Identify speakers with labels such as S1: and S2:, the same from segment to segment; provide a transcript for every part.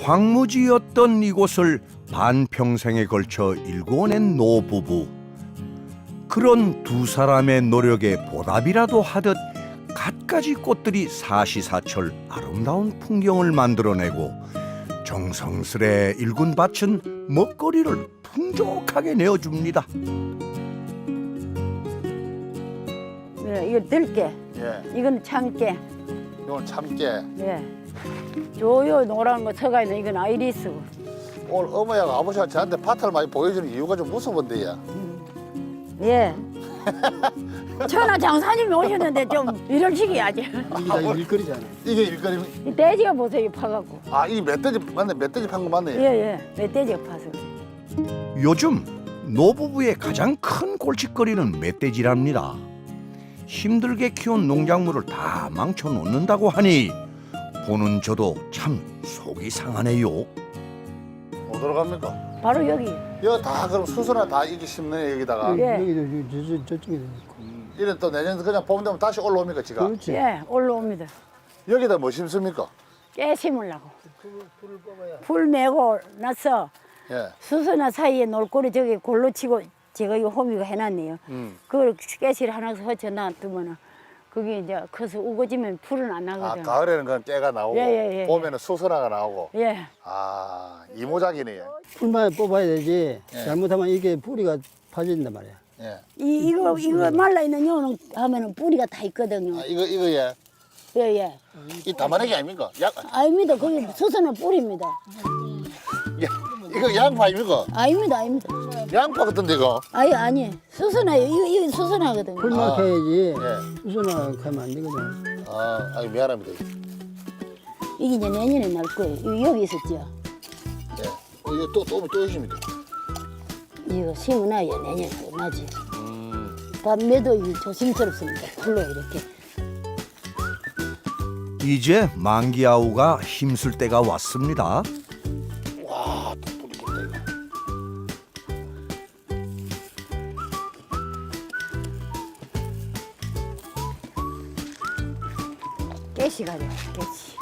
S1: 황무지였던 이곳을 반평생에 걸쳐 일구어낸 노부부. 그런 두 사람의 노력에 보답이라도 하듯 갖가지 꽃들이 사시사철 아름다운 풍경을 만들어내고 정성스레 일군 밭은 먹거리를 풍족하게 내어줍니다.
S2: 네, 이거 들깨,
S3: 예.
S2: 이건 참깨,
S3: 이건 참깨.
S2: 예. 요요 노란 거 서가 있는 이건 아이리스.
S3: 오늘 어머니가 아버지가 저한테 밭을 많이 보여주는 이유가 좀 무서운데, 야.
S2: 예. 천하장사님이 오셨는데 좀 이런 식이야지.
S4: 이게 다 일거리잖아.
S3: 이게 일거리.
S2: 이 돼지가 보세요, 파갖고.
S3: 아, 이 멧돼지 맞네. 멧돼지 판 거 맞네.
S2: 예. 멧돼지가 파서.
S1: 요즘 노부부의 가장 큰 골칫거리는 멧돼지랍니다. 힘들게 키운 농작물을 다 망쳐놓는다고 하니 보는 저도 참 속이 상하네요.
S3: 어디로 갑니까?
S2: 바로 여기.
S3: 여기 다 그럼 수소나 다 이게 심네 여기다가.
S2: 예.
S4: 여기도 저쪽에도 있고.
S3: 이런 또 내년 그냥 봄 되면 다시 올라옵니까 지가?
S4: 그렇지.
S2: 예, 올라옵니다.
S3: 여기다 뭐 심습니까?
S2: 깨 심으려고. 풀 메고 나서
S3: 예.
S2: 수소나 사이에 놀고리 저기 골로 치고 제가 이거 호미가 해놨네요. 그걸 깨씨를 하나 허쳐 놔두면은 그게 이제 커서 우거지면 풀은 안
S3: 아,
S2: 나거든.
S3: 가을에는 그냥 깨가 나오고
S2: 예.
S3: 봄에는 수소나가 나오고.
S2: 예.
S3: 아, 이모작이네.
S4: 풀만 뽑아야 되지.
S3: 예.
S4: 잘못하면 이게 뿌리가 파진단 말이야.
S3: 예.
S2: 이거 말라 있는 요는 하면은 뿌리가 다 있거든요.
S3: 아, 이거 예.
S2: 예.
S3: 이 담아내기 아닙니까?
S2: 아닙니다. 거기 수소는 뿌리입니다.
S3: 이거 양파 아닙니까?
S2: 아닙니다.
S3: 양파 같은데 이거.
S2: 아니. 수소나요. 이거 수소나거든요.
S4: 풀만
S3: 아.
S4: 캐야지.
S3: 예.
S4: 수소나 하면 안 되거든.
S3: 아, 아이 미안합니다.
S2: 이게 이제 내년에 날 거예요. 이거 여기 있었죠.
S3: 예. 이거 또 있습니까?
S2: 이거 심어놔야 내년에 또 나지. 밤에도 조심스럽습니다. 풀로 이렇게.
S1: 이제 만기아우가 힘쓸 때가 왔습니다.
S3: 와, 또 뿌리 겠다 이거.
S2: 깨씨가 돼요. 깨씨.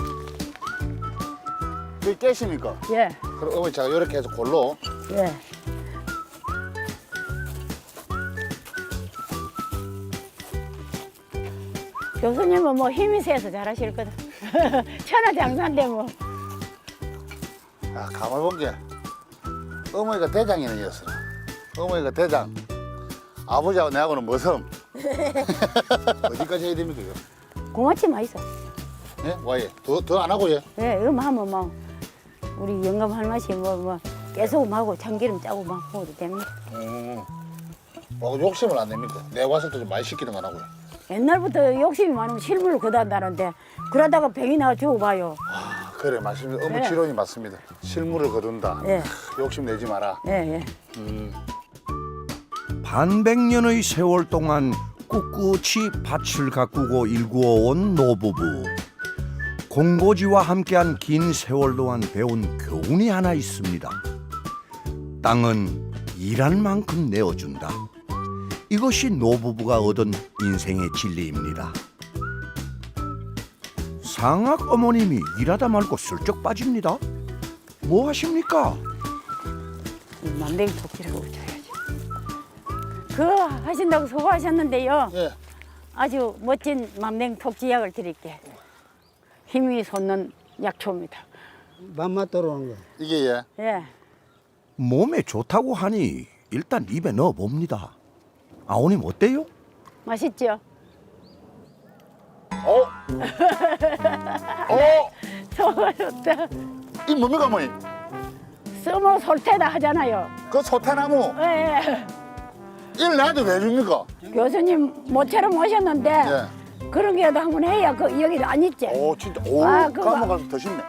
S3: 이게 깨십니까?
S2: 예.
S3: 그럼 어머니 제가 이렇게 해서 골로.
S2: 예. 교수님은 뭐 힘이 세서 잘하실 거다. 천하장사인데 뭐.
S3: 아, 가만 본 게 어머니가 대장이네 였어. 어머니가 대장. 아버지하고 내하고는 머섬. 어디까지 해야 됩니까 이거?
S2: 고맙지만 있어.
S3: 예? 와예. 더 안 하고 예.
S2: 예, 하면 뭐 우리 영감 할맛이 뭐 깨소금하고 참기름 짜고 막 먹어도 됩니다.
S3: 욕심을 안 냅니까? 내 와서 좀 많이 시키는 거 안 하고요.
S2: 옛날부터 욕심이 많으면 실물을 거둔다는데 그러다가 병이 나가 죽어봐요.
S3: 아, 그래 맞습니다. 어머니
S2: 네.
S3: 지론이 맞습니다. 실물을 거둔다.
S2: 예.
S3: 욕심 내지 마라.
S2: 예.
S1: 반백년의 세월 동안 꿋꿋이 밭을 가꾸고 일구어온 노부부. 공고지와 함께한 긴 세월 동안 배운 교훈이 하나 있습니다. 땅은 일한 만큼 내어준다. 이것이 노부부가 얻은 인생의 진리입니다. 상악 어머님이 일하다 말고 슬쩍 빠집니다. 뭐 하십니까?
S2: 만병 토끼라고 줘야지. 그거 하신다고 수고하셨는데요.
S3: 예.
S2: 아주 멋진 만병 토끼약을 드릴게. 힘이 솟는 약초입니다.
S4: 맘만 떨어오는 거.
S3: 이게 예.
S2: 예.
S1: 몸에 좋다고 하니 일단 입에 넣어봅니다. 아오님 어때요?
S2: 맛있죠?
S3: 어? 어?
S2: 소가 좋다.
S3: 이 뭡니까 어머니?
S2: 써머 솔태다 하잖아요.
S3: 그 소태나무
S2: 예.
S3: 일 나한테 왜 줍니까?
S2: 교수님 모처럼 오셨는데
S3: 예.
S2: 그런 게도 한번 해야 여기 안 있지.
S3: 오 진짜 오
S2: 아, 그거.
S3: 까먹어서 더 쉽네.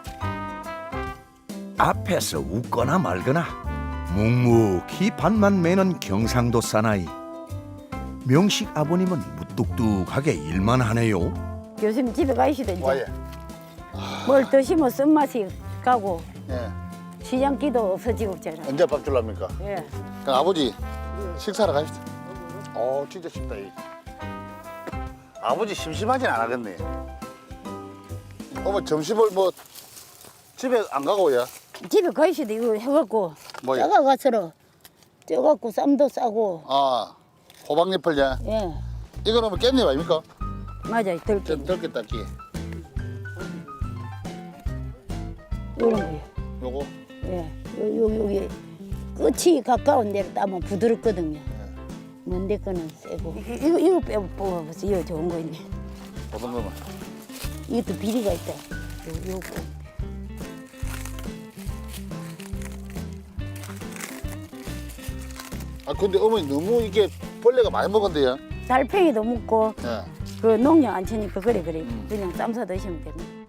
S1: 앞에서 웃거나 말거나 묵묵히 밭만 매는 경상도 사나이. 명식 아버님은 무뚝뚝하게 일만 하네요.
S2: 교수님 집에 가시다 이제.
S3: 와예.
S2: 뭘 드시면 쓴맛이 가고
S3: 예.
S2: 시장기도 없어지고 있잖아.
S3: 언제 밥 줄랍니까?
S2: 예.
S3: 그럼 아버지 식사하러 가시죠. 오 진짜 쉽다 이. 아버지 심심하진 않았겠네. 어머 점심을 뭐 집에 안 가고 예?
S2: 집에 가시도 이거 해갖고
S3: 뭐야?
S2: 짜가가서로 쪄갖고 쌈도 싸고
S3: 아, 호박잎을요?
S2: 예
S3: 이거는 뭐 깻잎 아닙니까?
S2: 맞아요 들깨
S3: 좀 덜게 닦기.
S2: 이런 거요.
S3: 요거.
S2: 예 여기 끝이 가까운 데로 따면 부드럽거든요. 먼데 거는 세고 이거 빼 뽑아보세요. 이거 좋은 거 있네.
S3: 어떤 거만?
S2: 이것도 비리가 있다. 요거
S3: 아 근데 어머니 너무 이게 벌레가 많이 먹은데요?
S2: 달팽이도 묻고
S3: 예.
S2: 그 농약 안 치니까 그래 그냥 쌈 사 드시면 됩니다.